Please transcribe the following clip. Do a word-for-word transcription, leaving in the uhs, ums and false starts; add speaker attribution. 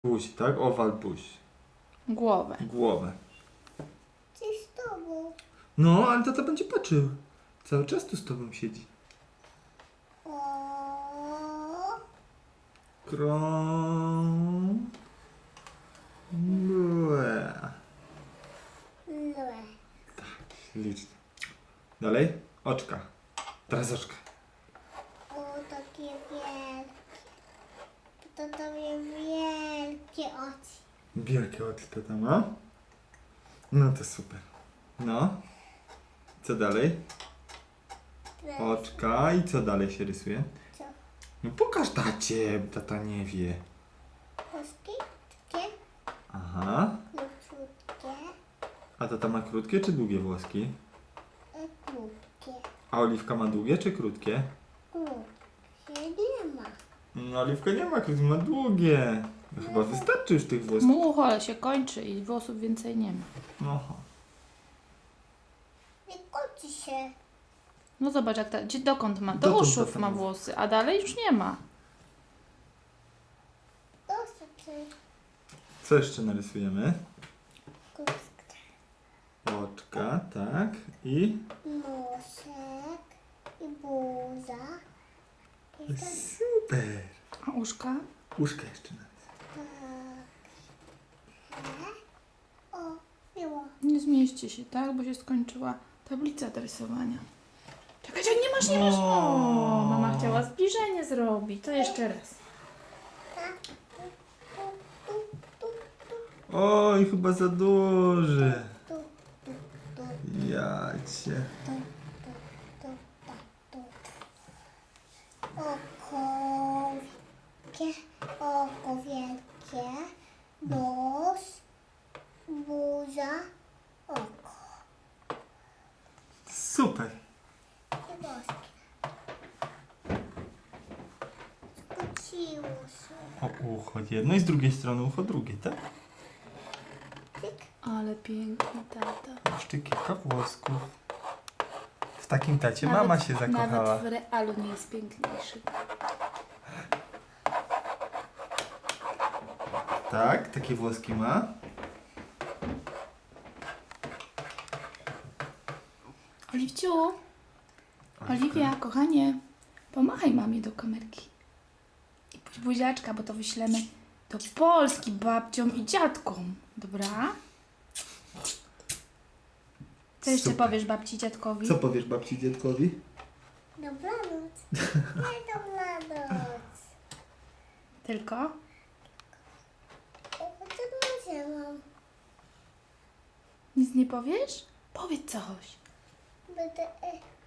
Speaker 1: Buź, tak? Owal buź.
Speaker 2: Głowę.
Speaker 1: Głowę.
Speaker 3: Czy z tobą?
Speaker 1: No, ale tata będzie patrzył. Cały czas tu z tobą siedzi.
Speaker 3: O,
Speaker 1: Krąg. Łe.
Speaker 3: lue.
Speaker 1: Liczne. Dalej. Oczka. Teraz oczka.
Speaker 3: O, takie wielkie. To tobie wielkie oczy.
Speaker 1: Wielkie oczy tata ma. No to super. No. Co dalej? Oczka. I co dalej się rysuje?
Speaker 3: Co?
Speaker 1: No pokaż tacie, tata nie wie.
Speaker 3: Włoski? Takie?
Speaker 1: Aha.
Speaker 3: Krótkie.
Speaker 1: A tata ma krótkie czy długie włoski?
Speaker 3: E, Krótkie.
Speaker 1: A Oliwka ma długie czy krótkie?
Speaker 3: Krótkie nie ma.
Speaker 1: No Oliwka nie ma krótkie, ma długie. No, chyba wystarczy już tych włosków.
Speaker 2: Mucho, ale się kończy i włosów więcej nie ma.
Speaker 1: Aha.
Speaker 3: Nie kończy się.
Speaker 2: No zobacz, jak ta, gdzie, dokąd ma? Do
Speaker 1: Dokąd
Speaker 2: uszów
Speaker 1: tata
Speaker 2: ma
Speaker 1: ma?
Speaker 2: włosy, a dalej już nie ma.
Speaker 3: Dosyć.
Speaker 1: Co jeszcze narysujemy?
Speaker 3: Krótkie.
Speaker 1: Oczka, tak. I...
Speaker 3: Nosek i buza. I tak.
Speaker 1: Super.
Speaker 2: A uszka?
Speaker 1: Uszka jeszcze narysuj.
Speaker 3: O, miło.
Speaker 2: Nie zmieści się, tak? Bo się skończyła tablica do rysowania. Czekaj, czekaj, nie masz, nie masz. O, mama chciała zbliżenie zrobić. To jeszcze raz.
Speaker 1: Oj, chyba za duży.
Speaker 3: Tu, tu, tu,
Speaker 1: Ja cię.
Speaker 3: tu, tu, tu, tak, tu. Oko wielkie, oko wielkie, nos, buza, oko
Speaker 1: Super.
Speaker 3: i włoski. Skróciło się.
Speaker 1: O ucho jedno i z drugiej strony ucho drugie, tak?
Speaker 3: Tyk.
Speaker 2: Ale piękny tata.
Speaker 1: Jeszcze kilka włosków. W takim tacie
Speaker 2: Nawet-
Speaker 1: mama się zakochała.
Speaker 2: Nawet w realu nie jest piękniejszy.
Speaker 1: Tak, takie włoski ma.
Speaker 2: Oliwciu, Oliwia, kochanie, pomachaj mamie do kamerki. I puść buziaczka, bo to wyślemy do Polski babciom i dziadkom. Dobra? Co jeszcze
Speaker 1: Super.
Speaker 2: powiesz babci i dziadkowi?
Speaker 1: Co powiesz babci i dziadkowi?
Speaker 3: Dobranoc. Nie dobranoc.
Speaker 2: Tylko?
Speaker 3: O, co może mam?
Speaker 2: Nic nie powiesz? Powiedz coś.
Speaker 3: Będę... e,